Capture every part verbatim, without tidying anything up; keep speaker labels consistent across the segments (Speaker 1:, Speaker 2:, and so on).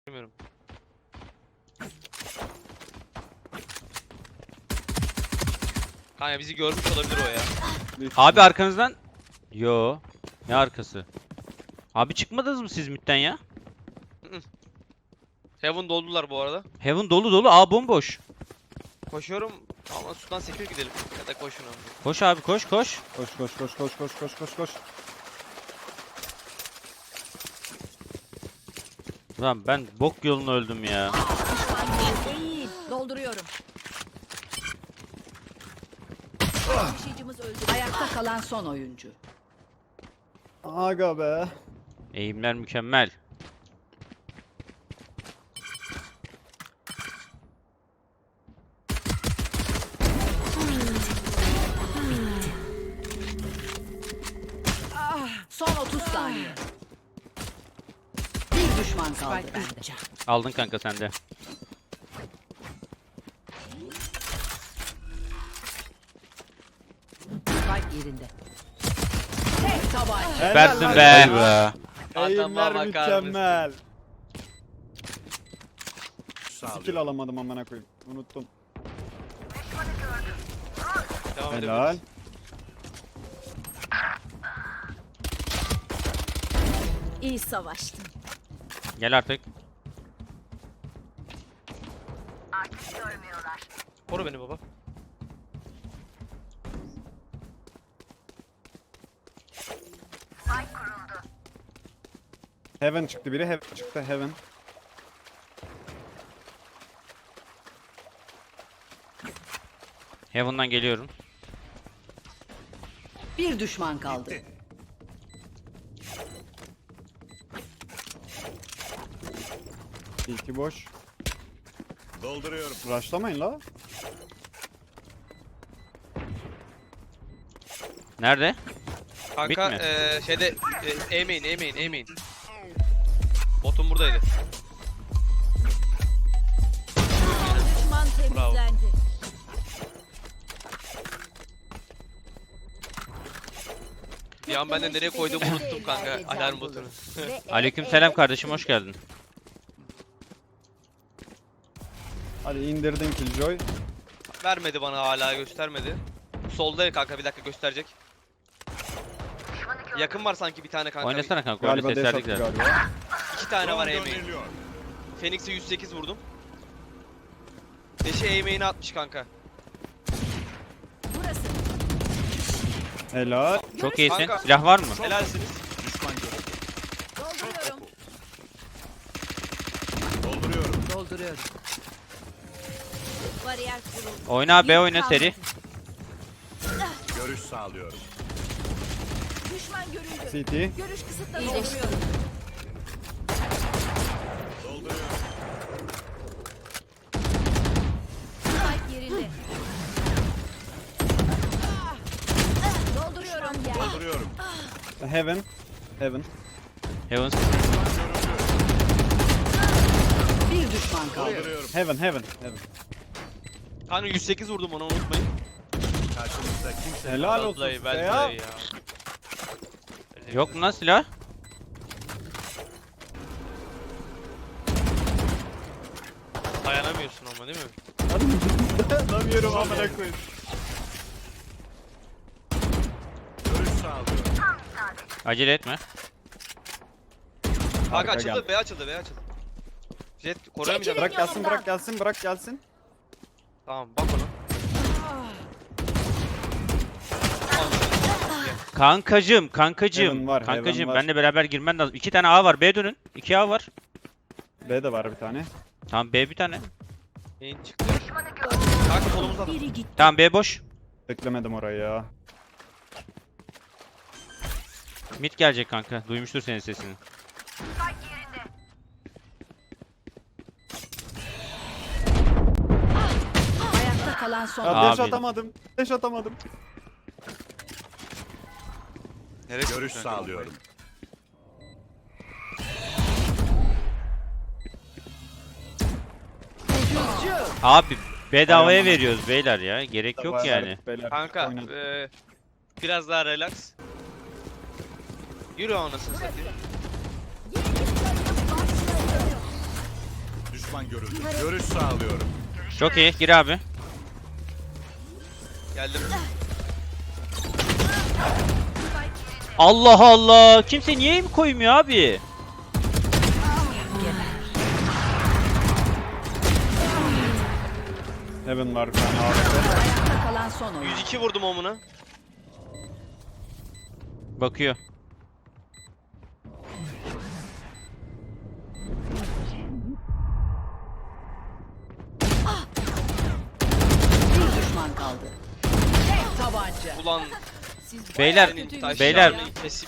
Speaker 1: Bilmiyorum. Kanka bizi görmüş olabilir o ya.
Speaker 2: Abi arkanızdan. Yo. Ne arkası? Abi çıkmadınız mı siz midden ya?
Speaker 1: Heaven doldular bu arada.
Speaker 2: Heaven dolu dolu. A bomboş.
Speaker 1: Koşuyorum ama sudan sekir gidelim. Ya da koşun abi.
Speaker 2: Koş abi koş koş.
Speaker 3: Koş koş koş koş koş koş koş koş.
Speaker 2: Lan ben bok yolunu öldüm ya.
Speaker 4: Değil. Dolduruyorum. Taşıyıcımız öldü. Ayakta kalan son oyuncu.
Speaker 3: Aga be.
Speaker 2: Eğimler mükemmel.
Speaker 4: Son otuz saniye. Bir düşman kaldı.
Speaker 2: Aldın kanka sen de.
Speaker 4: Spike yerinde. Tek tabanca.
Speaker 2: Süpersin
Speaker 3: Helal
Speaker 2: be.
Speaker 3: lan.
Speaker 1: Adama
Speaker 3: Eğimler
Speaker 1: bakar
Speaker 3: mükemmel. Skill alamadım amına koyayım. Unuttum.
Speaker 1: Devam
Speaker 3: Helal.
Speaker 1: edebiliriz.
Speaker 4: İyi savaştın.
Speaker 2: Gel artık.
Speaker 1: Koru beni baba.
Speaker 3: Heaven çıktı biri. Heaven çıktı. Heaven.
Speaker 2: Heaven'dan geliyorum.
Speaker 4: Bir düşman kaldı.
Speaker 3: İki boş.
Speaker 5: Dolduruyorum.
Speaker 3: Rushlamayın la.
Speaker 2: Nerede?
Speaker 1: Kanka
Speaker 2: Mid mi?
Speaker 1: eee şeyde e, eğmeyin eğmeyin eğmeyin. Botum buradaydı.
Speaker 4: Düşman
Speaker 1: Bravo.
Speaker 4: temizlendi.
Speaker 1: Bir an ben de nereye koyduğumu unuttum kanka alarm botunu.
Speaker 2: Aleykümselam kardeşim hoş geldin.
Speaker 3: Hadi indirdin Killjoy.
Speaker 1: Vermedi bana, hala göstermedi. Solda kanka, bir dakika gösterecek. Yakın var sanki bir tane kanka.
Speaker 2: Oynasana kanka öyle
Speaker 3: Galiba dash
Speaker 2: ses
Speaker 3: attı
Speaker 2: verdik zaten.
Speaker 3: galiba.
Speaker 1: İki tane var
Speaker 5: Drone
Speaker 1: eğmeyin.
Speaker 5: gönderiliyor.
Speaker 1: Phoenix'e yüz sekiz vurdum. Deşe eğmeğini atmış kanka.
Speaker 4: Burası.
Speaker 3: Helal.
Speaker 2: Çok iyisin.
Speaker 1: Kanka.
Speaker 2: Silah var mı?
Speaker 1: Helalsiniz.
Speaker 5: Düşman görüldü.
Speaker 4: Dolduruyorum.
Speaker 5: Dolduruyorum.
Speaker 4: Dolduruyorum. Bariyer kuruldu.
Speaker 2: Oyna B
Speaker 4: Yük
Speaker 2: oyna
Speaker 4: kalmadı.
Speaker 2: seri.
Speaker 5: Görüş sağlıyorum.
Speaker 4: Düşman görüldü.
Speaker 3: C T.
Speaker 4: Görüş kısıtlanıyor. İyileştiriyorum.
Speaker 5: Dolduruyorum.
Speaker 4: Spike yerinde. Dolduruyorum.
Speaker 5: Dolduruyorum.
Speaker 3: Heaven. Heaven.
Speaker 2: Heaven.
Speaker 4: Bir düşman kaldı.
Speaker 5: Dolduruyorum.
Speaker 3: Heaven. Heaven. Heaven.
Speaker 1: Kanka yüz sekiz vurdum, onu unutmayın.
Speaker 5: Karşımızda kimse
Speaker 3: Helal olsun
Speaker 1: Vallahi
Speaker 3: size
Speaker 1: vallahi
Speaker 3: ya.
Speaker 1: ya.
Speaker 2: Yok mu lan silah?
Speaker 1: Dayanamıyorsun ama değil mi?
Speaker 3: Anlamıyorum amına koyayım.
Speaker 5: görüş sağlıyorum.
Speaker 2: Acele etme.
Speaker 1: Kanka
Speaker 3: Arka
Speaker 1: açıldı,
Speaker 3: geldi.
Speaker 1: B açıldı, B açıldı. Jet koruyamayacağım.
Speaker 3: Bırak gelsin, bırak gelsin, bırak gelsin.
Speaker 1: Tamam bak ona.
Speaker 2: Kankacım, kankacım.
Speaker 3: Heaven var, heaven
Speaker 2: Kankacım
Speaker 3: var.
Speaker 2: benle beraber girmen lazım. İki tane A var. B dönün. İki A var.
Speaker 3: B de var bir tane.
Speaker 2: Tamam B bir tane.
Speaker 1: Neyin çıktı? Kanka solumuzda adam.
Speaker 4: Biri gitti.
Speaker 2: Tamam B boş.
Speaker 3: Beklemedim orayı ya.
Speaker 2: Mid gelecek kanka. Duymuştur senin sesini.
Speaker 4: Ayakta kalan son.
Speaker 3: Ya dash
Speaker 2: Abi.
Speaker 3: atamadım. Dash atamadım.
Speaker 5: Görüş sağlıyorum.
Speaker 2: Abi bedavaya
Speaker 3: Ayağım.
Speaker 2: veriyoruz beyler ya. Gerek yok yani.
Speaker 3: Beyler,
Speaker 1: Kanka
Speaker 3: oynadık.
Speaker 1: eee biraz daha relax. Yürü anasını satayım.
Speaker 5: düşman görüldü. Görüş sağlıyorum.
Speaker 2: Çok iyi. Gir abi.
Speaker 1: Geldim.
Speaker 2: Allah Allah. Kimse niye mi koymuyor abi?
Speaker 3: Heaven var bir tane A W P.
Speaker 4: Ayakta kalan son oyuncu.
Speaker 1: yüz iki vurdum omuna.
Speaker 2: Bakıyor.
Speaker 4: Bir düşman kaldı. Tek tabanca.
Speaker 1: Ulan
Speaker 2: Beyler,
Speaker 1: senin taş
Speaker 2: beyler.
Speaker 1: yağını kesip.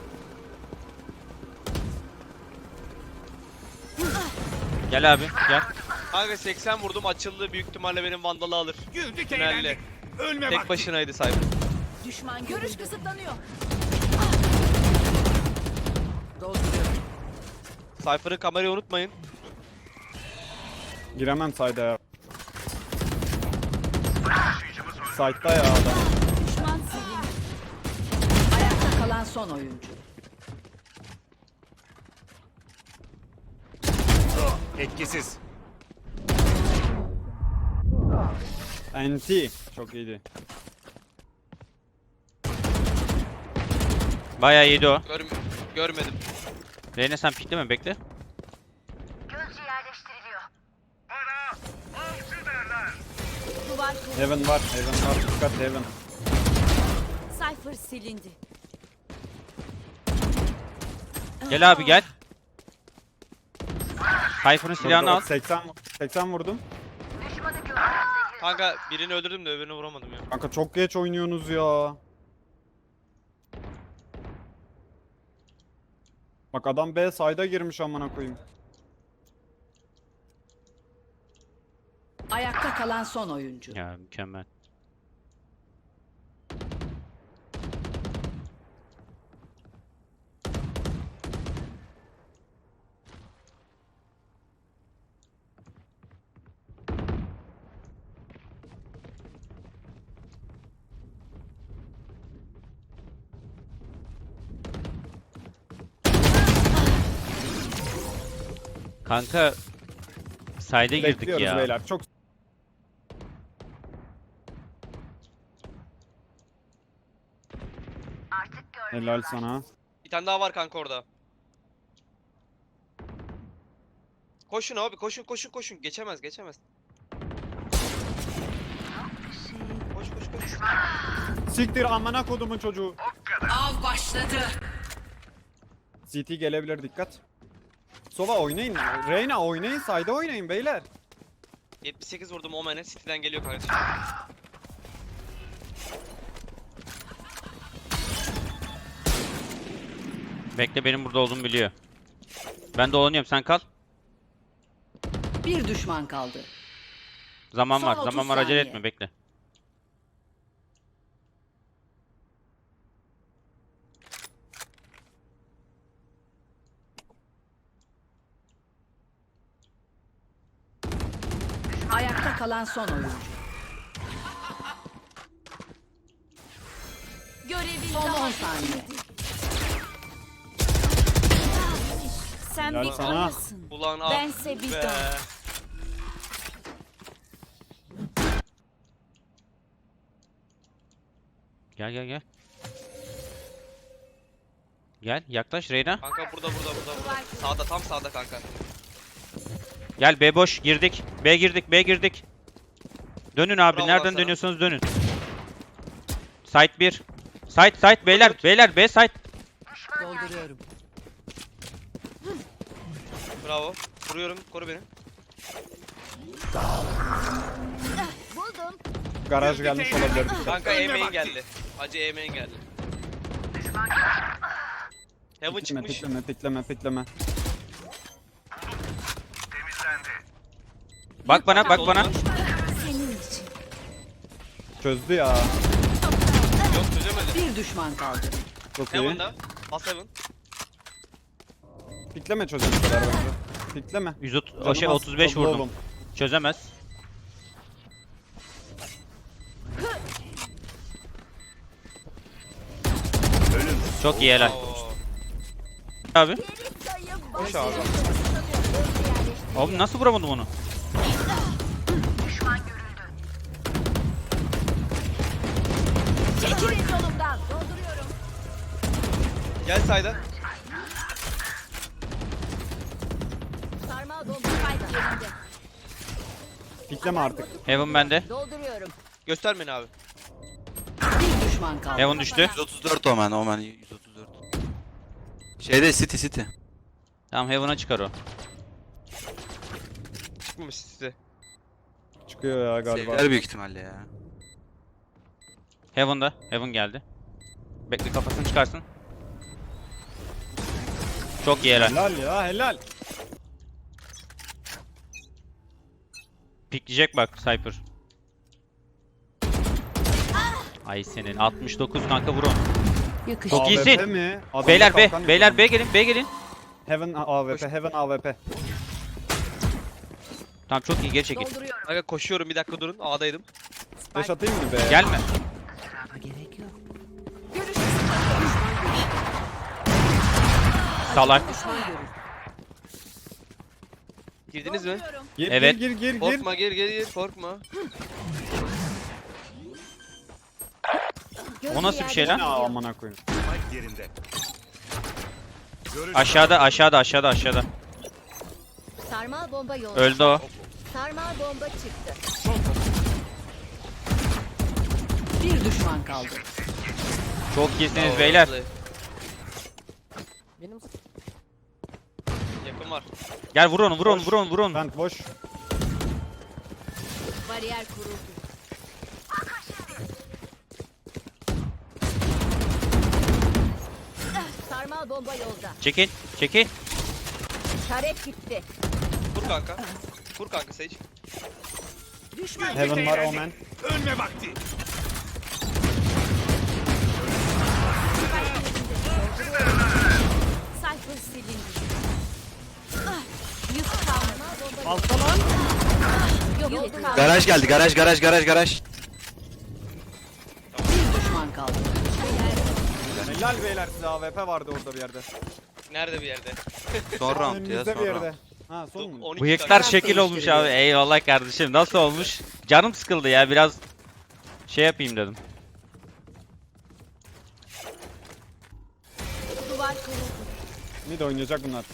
Speaker 2: Gel abi, gel.
Speaker 1: Kanka seksen vurdum açıldı. Büyük ihtimalle benim vandalı alır.
Speaker 5: Güldük
Speaker 1: Tünelle.
Speaker 5: eğlendik. Ölme
Speaker 1: Tek
Speaker 5: vakti.
Speaker 1: başınaydı Cypher.
Speaker 4: Düşman görüş kısıtlanıyor.
Speaker 1: Cypher'ın kamerayı unutmayın.
Speaker 3: Giremem side'a ya. Side'da ya adam.
Speaker 4: Düşman silindi. Ayakta kalan son oyuncu.
Speaker 5: Etkisiz.
Speaker 3: N T. Çok iyiydi.
Speaker 2: Bayağı yedi o.
Speaker 1: Gör görmedim.
Speaker 2: Reyna sen pikleme, bekle.
Speaker 4: Duvar kırıldı.
Speaker 3: Heaven var. Heaven var. Dikkat Heaven.
Speaker 4: Cypher silindi.
Speaker 2: Gel abi gel. Cypher'ın silahını al.
Speaker 3: seksen, seksen vurdum.
Speaker 1: Kanka birini öldürdüm de öbürünü vuramadım ya.
Speaker 3: Kanka çok geç oynuyorsunuz ya. Bak adam B side'a girmiş amına koyayım.
Speaker 4: Ayakta kalan son oyuncu.
Speaker 2: Ya mükemmel. Kanka side'e girdik
Speaker 3: Bekliyoruz
Speaker 2: ya.
Speaker 3: beyler. Çok helal sana.
Speaker 1: Bir tane daha var kanka orada. Koşun abi koşun koşun koşun. Geçemez geçemez. Koş koş koş.
Speaker 3: Siktir amına kodumun çocuğu.
Speaker 4: Av başladı.
Speaker 3: C T gelebilir, dikkat. Sova oynayın. Reyna oynayın. Side'a oynayın beyler.
Speaker 1: yetmiş sekiz vurdum Omen'e. City'den geliyor kardeşim.
Speaker 2: Bekle, benim burada olduğumu biliyor. Ben dolanıyorum, sen kal.
Speaker 4: Bir düşman kaldı.
Speaker 2: Zaman
Speaker 4: Son
Speaker 2: var,
Speaker 4: otuz
Speaker 2: zaman var, acele
Speaker 4: saniye.
Speaker 2: etme, bekle.
Speaker 4: Ayakta kalan son oyuncu.
Speaker 6: Görevin
Speaker 4: Son
Speaker 6: daha
Speaker 4: on saniye.
Speaker 6: sen
Speaker 3: Helal
Speaker 6: bir
Speaker 3: sana.
Speaker 6: kanasın.
Speaker 1: Ulan ah
Speaker 6: Bense bir
Speaker 1: be.
Speaker 6: don.
Speaker 2: Gel gel gel. Gel, yaklaş Reyna.
Speaker 1: Kanka burada burada burada burada. Sağda tam sağda kanka.
Speaker 2: Gel, B boş, girdik. B girdik, B girdik. Dönün abi,
Speaker 1: Bravo
Speaker 2: nereden
Speaker 1: sana.
Speaker 2: dönüyorsanız dönün. Site bir. Site site beyler, beyler B site.
Speaker 4: Dolduruyorum.
Speaker 1: Bravo. Vuruyorum. Koru beni.
Speaker 6: Buldum.
Speaker 3: Garaj gelmiş olabilir. dikkat.
Speaker 1: Kanka
Speaker 5: Ölme
Speaker 1: E-main
Speaker 5: vakti.
Speaker 1: geldi. Acı E-main geldi. Heaven
Speaker 3: Pikleme,
Speaker 1: çıkmış.
Speaker 3: pikleme, pikleme, pikleme.
Speaker 2: Bak bana, bak bana.
Speaker 6: Senin için.
Speaker 3: Çözdü ya.
Speaker 1: Yok çözemedi.
Speaker 4: Bir düşman kaldı.
Speaker 3: Çok iyi.
Speaker 1: Heaven'da. Bas Heaven.
Speaker 3: Pikleme çözene kadar bence. Pikleme.
Speaker 2: yüz otuz, o
Speaker 3: Canım
Speaker 2: şey
Speaker 3: az,
Speaker 2: otuz beş
Speaker 3: hızlı
Speaker 2: vurdum.
Speaker 3: olun.
Speaker 2: Çözemez. Çok iyi, helal.
Speaker 1: Oo.
Speaker 2: Abi.
Speaker 6: Sayı
Speaker 1: Koş abi.
Speaker 6: başlıyor.
Speaker 2: Abi nasıl vuramadım onu?
Speaker 4: Çekilin yolumdan. Dolduruyorum.
Speaker 1: Gel sayda.
Speaker 4: Sarmal bomba spike yerinde.
Speaker 3: Pikleme artık.
Speaker 2: Heaven bende.
Speaker 4: Dolduruyorum.
Speaker 1: Göster beni abi.
Speaker 4: Bir düşman kaldı.
Speaker 2: Heaven düştü.
Speaker 7: yüz otuz dört Omen, Omen yüz otuz dört. Şeyde City City.
Speaker 2: Tamam Heaven'a çıkar o.
Speaker 1: Çıkmamış size.
Speaker 3: Çıkıyor ya galiba.
Speaker 7: Sevgiler büyük ihtimalle ya.
Speaker 2: Heaven'da. Heaven geldi. Bekle kafasını çıkarsın. Çok iyi helal.
Speaker 3: Helal ya helal.
Speaker 2: Pikleyecek bak Cypher. Ay senin altmış dokuz kanka vur onu.
Speaker 4: Yakıştı.
Speaker 2: Çok
Speaker 3: A W P
Speaker 2: iyisin.
Speaker 3: mi? Adamda
Speaker 2: Beyler B,
Speaker 3: kalkan
Speaker 2: beyler
Speaker 3: yok.
Speaker 2: B gelin, B gelin.
Speaker 3: Heaven A W P, Heaven A W P.
Speaker 2: Tamam çok iyi geri çekil.
Speaker 4: Dolduruyorum.
Speaker 1: Kanka koşuyorum bir dakika durun. A'daydım.
Speaker 3: Flash atayım mı be?
Speaker 2: Gelme.
Speaker 4: Gerek yok.
Speaker 2: Salak.
Speaker 4: Düşman görür.
Speaker 1: Girdiniz mi?
Speaker 3: Gir,
Speaker 2: Evet.
Speaker 3: Gir gir gir gir.
Speaker 1: Korkma gir gir gir korkma.
Speaker 2: O nasıl bir şey lan?
Speaker 3: Ne amına koyayım.
Speaker 5: Spike yerinde. Görüş
Speaker 2: Aşağıda, aşağıda, aşağıda, aşağıda.
Speaker 4: Sarmal bomba yolda.
Speaker 2: Öldü o.
Speaker 4: Sarmal bomba çıktı. Bir düşman kaldı.
Speaker 2: Çok iyisiniz
Speaker 1: Oo,
Speaker 2: beyler.
Speaker 1: vallahi. Yakın var.
Speaker 2: Gel vur onu, vur onu, vur onu, vur onu.
Speaker 3: Vent boş.
Speaker 4: Bariyer kuruldu. Sarmal bomba yolda.
Speaker 2: Çekil, çekil.
Speaker 4: Taret gitti.
Speaker 1: Vur kanka. Vur kanka Sage.
Speaker 4: Düşman
Speaker 3: Heaven var Omen.
Speaker 5: ölme vakti.
Speaker 6: Cypher silindi. Ah, yük kalma.
Speaker 3: Altta lan.
Speaker 6: Yok yok kalma.
Speaker 7: Garaj geldi, garaj, garaj, garaj, garaj.
Speaker 4: bir düşman kaldı.
Speaker 3: Helal beyler size A W P vardı orada bir yerde.
Speaker 1: Nerede bir yerde?
Speaker 7: Son round ya,
Speaker 3: Önümüzde
Speaker 7: son
Speaker 3: bir
Speaker 7: round.
Speaker 3: yerde. Ha son mu?
Speaker 1: on iki
Speaker 2: Bıyıklar
Speaker 1: kanka.
Speaker 2: şekil olmuş abi. Eyvallah kardeşim. Nasıl olmuş? Canım sıkıldı ya. Biraz şey yapayım dedim.
Speaker 6: Duvar kuruldu.
Speaker 3: Mid oynayacak bunlar.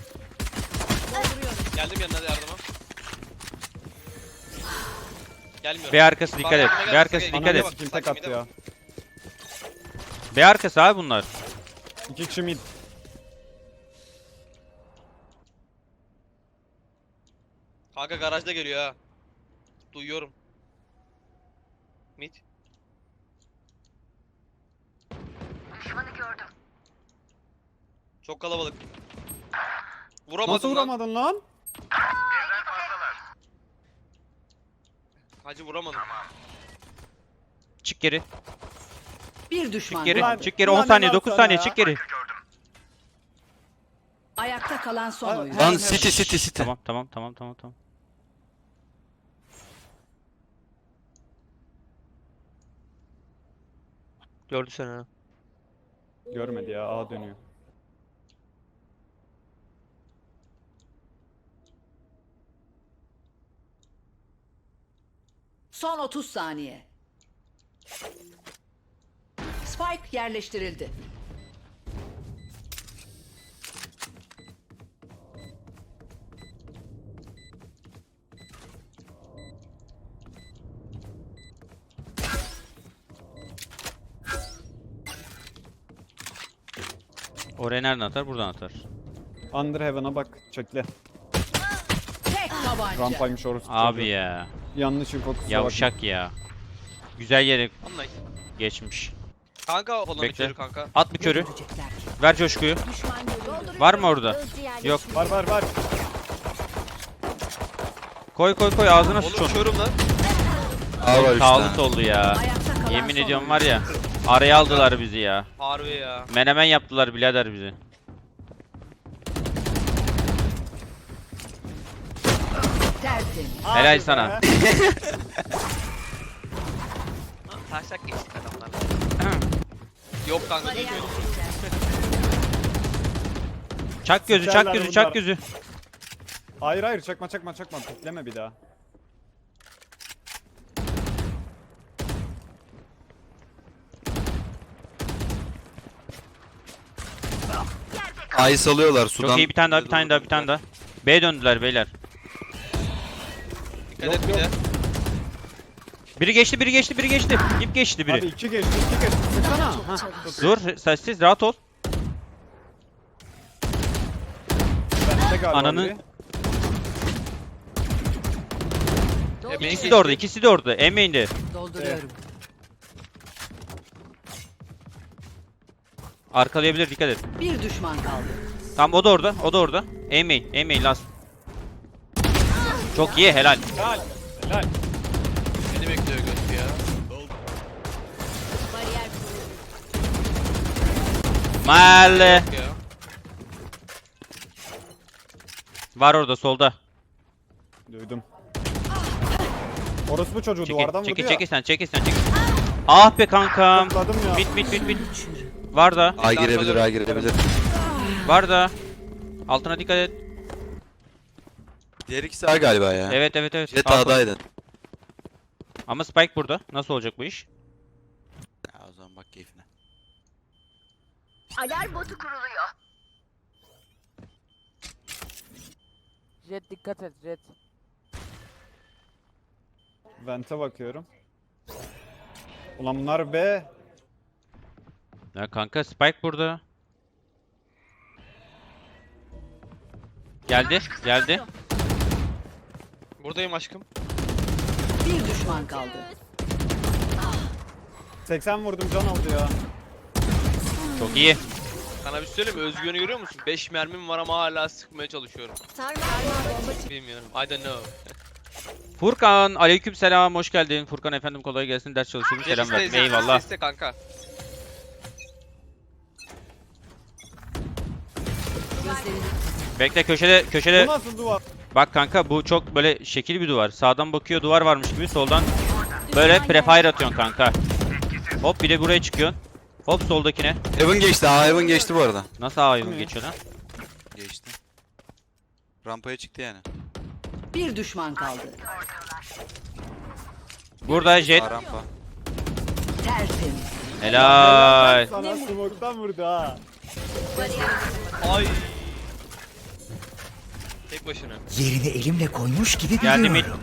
Speaker 1: Geldim yanına da yardıma. Gelmiyorum.
Speaker 2: B arkası dikkat et.
Speaker 1: Bak,
Speaker 2: B arkası
Speaker 1: bak,
Speaker 2: dikkat
Speaker 3: Ananı
Speaker 2: et.
Speaker 1: bak.
Speaker 3: sikeyim tek attı ya.
Speaker 2: B arkası abi bunlar.
Speaker 3: İki kişi mid.
Speaker 1: Kanka garajda geliyor ha. Duyuyorum. Mid. Çok kalabalık. Vuramadım
Speaker 3: Nasıl
Speaker 1: lan.
Speaker 3: vuramadın lan?
Speaker 1: Hacı vuramadım.
Speaker 2: Çık geri.
Speaker 4: Bir düşman
Speaker 2: Çık geri.
Speaker 3: Ulan-
Speaker 2: Çık geri.
Speaker 3: ulan
Speaker 2: on saniye,
Speaker 3: helal
Speaker 2: dokuz
Speaker 3: sana
Speaker 2: saniye.
Speaker 3: ya.
Speaker 2: Çık geri.
Speaker 4: Ayakta kalan son
Speaker 3: Lan-
Speaker 4: oyun.
Speaker 3: Lan
Speaker 7: Lan City, City, City.
Speaker 2: Tamam, tamam, tamam, tamam, tamam.
Speaker 1: Gördü seni ha.
Speaker 3: Görmedi ya A dönüyor.
Speaker 4: Son otuz saniye. Spike yerleştirildi.
Speaker 2: Oraya nereden atar? Buradan atar.
Speaker 3: Under Heaven'a bak çekle.
Speaker 4: Tek tabanca.
Speaker 3: Rampaymış orası.
Speaker 2: Abi
Speaker 3: çocuğu.
Speaker 2: ya.
Speaker 3: Yanlış info kusura bakma.
Speaker 2: Yavşak ya. Güzel yere
Speaker 1: Anlay.
Speaker 2: geçmiş.
Speaker 1: Kanka falan
Speaker 2: Bekle.
Speaker 1: içeri kanka.
Speaker 2: At bir körü.
Speaker 4: Görecekler ki.
Speaker 2: Ver coşkuyu.
Speaker 6: Düşman görüldü.
Speaker 2: Var mı orada?
Speaker 6: Hızlı yerleşim.
Speaker 2: Yok.
Speaker 3: Var var var.
Speaker 2: Koy koy koy ağzına sıç
Speaker 1: Oğlum
Speaker 2: onu.
Speaker 1: körüm lan.
Speaker 7: A var üç
Speaker 2: Sağlık
Speaker 7: tane.
Speaker 2: oldu ya.
Speaker 4: Ayakta kalan
Speaker 2: Yemin
Speaker 4: son
Speaker 2: ediyorum
Speaker 4: oyun.
Speaker 2: var ya. Araya aldılar bizi ya.
Speaker 1: Harbi ya.
Speaker 2: Menemen yaptılar birader bizi.
Speaker 4: Tertemiz.
Speaker 2: Helal
Speaker 3: Hadi
Speaker 2: sana.
Speaker 3: be.
Speaker 1: Taşak geçtik adamlar. Yok kanka
Speaker 6: Bariyer
Speaker 1: duymuyorum.
Speaker 6: kuruldu.
Speaker 2: Çak gözü, çak
Speaker 3: Sikerler
Speaker 2: gözü,
Speaker 3: bunlar.
Speaker 2: çak gözü.
Speaker 3: Hayır hayır çakma çakma çakma. Pikleme bir daha.
Speaker 7: A'yı salıyorlar sudan.
Speaker 2: Çok iyi, bir tane daha, bir tane daha, bir tane daha. B'ye döndüler beyler.
Speaker 1: Dikkat et bir de.
Speaker 2: Biri geçti, biri geçti, biri geçti. İp geçti
Speaker 3: Abi
Speaker 2: biri.
Speaker 3: iki geçti iki geçti. Sıksana. Hah.
Speaker 2: Dur, sessiz, rahat ol.
Speaker 3: Bende galiba
Speaker 2: Ananı-
Speaker 3: biri.
Speaker 1: E,
Speaker 2: İkisi de orada, ikisi de orada. Emeğinde.
Speaker 4: Dolduruyorum.
Speaker 2: Arkalayabilir, dikkat et.
Speaker 4: Bir düşman kaldı.
Speaker 2: Tamam, o da orada, o da orada. Emeğin, emeğin last. Çok iyi, helal.
Speaker 3: Helal. Helal.
Speaker 1: Beni bekliyor göt ya.
Speaker 6: Bariyer
Speaker 2: Mahalle.
Speaker 1: Ya.
Speaker 2: Var orada, solda.
Speaker 3: Duydum. Orospu çocuğu
Speaker 2: Çekil,
Speaker 3: duvardan
Speaker 2: çekil,
Speaker 3: vuruyor.
Speaker 2: çekil sen, çekil sen, çekil. Ah be kankam.
Speaker 3: Topladım ya.
Speaker 2: Bit, bit, bit, bit. Var da,
Speaker 7: A girebilir, A girebilir.
Speaker 2: var da. Altına dikkat et.
Speaker 7: Diğer ikisi A galiba ya.
Speaker 2: Evet, evet, evet.
Speaker 7: Jet
Speaker 2: Al-
Speaker 7: A'daydı.
Speaker 2: Ama Spike burada. Nasıl olacak bu iş?
Speaker 7: Ya o zaman bak keyfine.
Speaker 6: alarm botu kuruluyor.
Speaker 8: Jet dikkat et Jet.
Speaker 3: Vente bakıyorum. Ulan bunlar B.
Speaker 2: Ya kanka, Spike burada. Geldi, geldi.
Speaker 1: Buradayım aşkım.
Speaker 4: Bir düşman kaldı.
Speaker 3: seksen vurdum can aldı ya.
Speaker 2: Çok iyi.
Speaker 1: Sana bir şey söyleyeyim mi? Özgüven'i görüyor musun? beş mermim var ama hala sıkmaya çalışıyorum.
Speaker 6: Sarmal bomba
Speaker 1: Bilmiyorum. I don't know.
Speaker 2: Furkan, aleykümselam, hoş geldin. Furkan efendim, kolay gelsin. Ders çalışıyorum. Selam
Speaker 1: Jet
Speaker 2: ver.
Speaker 1: iste,
Speaker 2: Eyvallah.
Speaker 1: iste kanka.
Speaker 4: Gözlerini
Speaker 2: Bekle, köşede,
Speaker 3: Bu
Speaker 2: köşede.
Speaker 3: nasıl duvar?
Speaker 2: Bak kanka, bu çok böyle şekil bir duvar. Sağdan bakıyor, duvar varmış gibi. Soldan böyle prefire atıyorsun kanka. Hop, bir de buraya çıkıyorsun. Hop, soldakine.
Speaker 7: Heaven geçti, A Heaven geçti bu arada.
Speaker 2: Nasıl ayın
Speaker 3: Ne?
Speaker 2: geçiyor lan?
Speaker 7: Geçti. Rampaya çıktı yani.
Speaker 4: bir düşman kaldı.
Speaker 2: Burada Jet.
Speaker 7: A rampa.
Speaker 4: Tertemiz.
Speaker 2: Helal.
Speaker 3: Sana smoke'tan vurdu ha.
Speaker 1: Ay. Tek başına.
Speaker 9: Yerini elimle koymuş gibi
Speaker 2: Geldi mi?
Speaker 9: biliyorum.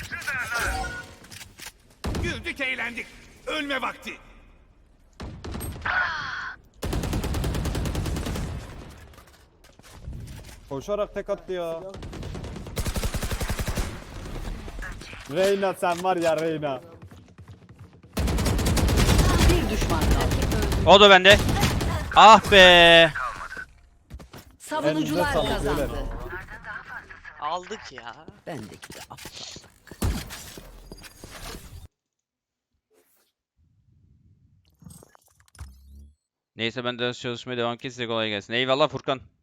Speaker 5: Güldük eğlendik. Ölme vakti.
Speaker 3: Koşarak tek attı ya. Reyna sen var ya Reyna.
Speaker 4: Bir düşman kaldı.
Speaker 2: O da bende. Ah be.
Speaker 4: Savunucular
Speaker 3: Elinize sağlık,
Speaker 4: kazandı.
Speaker 3: beyler.
Speaker 1: Aldık ya.
Speaker 4: Bendeki de aptal.
Speaker 2: Neyse, ben ders çalışmaya devam ki, size kolay gelsin. Eyvallah Furkan.